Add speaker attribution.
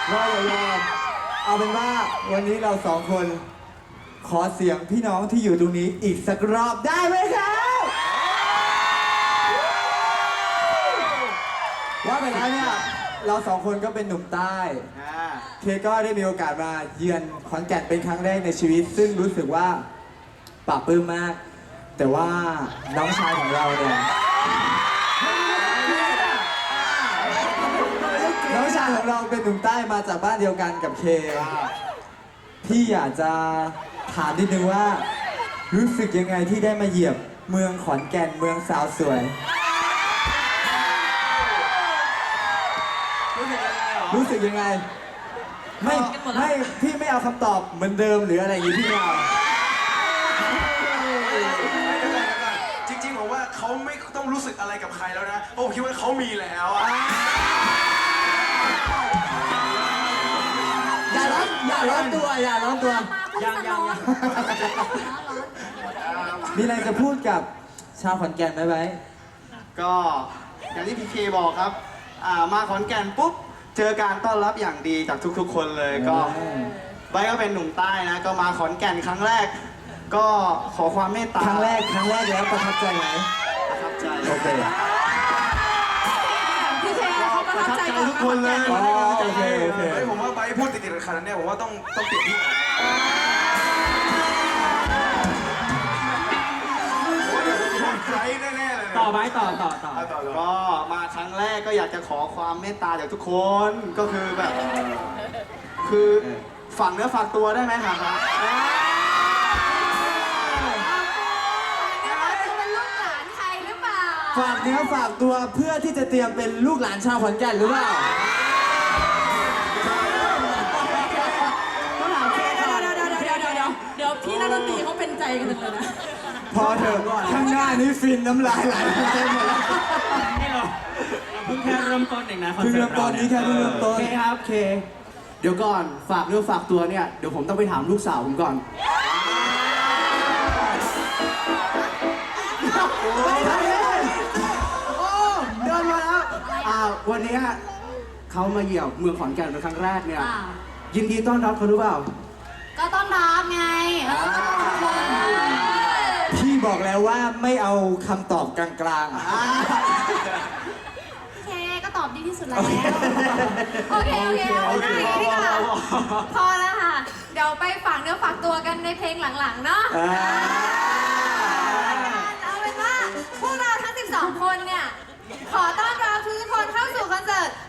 Speaker 1: รออย่ายอมเอาเป็นว่าวันนี้เราสองคนขอเสียงพี่น้องที่อยู่ตรงนี้อีกสักรอบได้ไหมครับว่าไปแล้วเนี่ยเราสองคนก็เป็นหนุ่มใต้เคก็ได้มีโอกาสมาเยือนขอนแก่นเป็นครั้งแรกในชีวิตซึ่งรู้สึกว่าปลาบปลื้มมากแต่ว่าน้องชายของเราเนี่ยน้องชายของเราเป็นหนุ่มใต้มาจากบ้านเดียวกันกับเคพี่อยากจะถามนิดนึงว่ารู้สึกยังไงที่ได้มาเหยียบเมืองขอนแก่นเมืองสาวสวยรู้สึกยังไงไม่พี่ไม่เอาคำตอบเหมือนเดิมหรืออะไรอย่างนี้พี่ไม่เอา
Speaker 2: จริงๆผมว่าเขาไม่ต้องรู้สึกอะไรกับใครแล้วนะเพราะผมคิดว่าเขามีแล้วอะ
Speaker 1: อย่าร้อนตัวยังมีอะไรจะพูดกับชาวขอนแก่นไหมไบร์ท
Speaker 3: ก็อย่างที่พีเคบอกครับมาขอนแก่นปุ๊บเจอการต้อนรับอย่างดีจากทุกๆคนเลยก็ไบร์ทก็เป็นหนุ่มใต้นะก็มาขอนแก่นครั้งแรกก็ขอความเมตตา
Speaker 1: ครั้งแรกแล้วประทับใจไหม
Speaker 3: ประทับใจ
Speaker 1: โอเค
Speaker 4: พี่เคเขาประทับใจ
Speaker 3: ทุกคนเลย
Speaker 1: โอเค
Speaker 2: ผมว่าไบร์ทพูดติดๆขนาดนี้ผมว่าต้องเปลี่ยนที่ไบร์ทแน่ๆเลย
Speaker 4: ต่อไปต่อ
Speaker 3: ก็มาครั้งแรกก็อยากจะขอความเมตตาจากทุกคนก็คือแบบคือฝังเนื้อฝากตัวได้ไหมครับ
Speaker 1: ฝากเนื้อฝากตัวเพื่อที่จะเตรียมเป็นลูกหลานชาวขอนแก่นหรือเปล่า
Speaker 4: เดี๋ยวพี่นักดนตรีเขาเป็นใจกันเลยนะ
Speaker 1: พอเถอะข้างหน้านี้ฟินน้ำลายไหลเต็มหมดแล้ว
Speaker 4: นี่เราเพิ่งแค่เริ่มต้นเองนะคอนเสิร์ต
Speaker 1: เพิ่งเริ่มต้นนี้แค่เริ่มต้น
Speaker 3: เคครับเคเดี๋ยวก่อนฝากเนื้อฝากตัวเนี่ยเดี๋ยวผมต้องไปถามลูกสาวผมก่อนเดินมาแล้ววันนี้เขามาเยี่ยมเมืองขอนแก่นเป็นครั้งแรกเนี่ยยินดีต้อนรับเขาหรือเปล่า
Speaker 5: ก็ต้อนรับไง
Speaker 1: พี่บอกแล้วว่าไม่เอาคำตอบกลาง
Speaker 5: ๆเคก็ตอบดีที่สุดแล้วโอเคพี่ค่ะพอแล้วค่ะเดี๋ยวไปฝากเนื้อฝากตัวกันในเพลงหลังๆเนาะเอาเป็นว่าพวกเราทั้ง12คนเนี่ยขอต้อนรับทุกคนเข้าสู่คอนเสิร์ต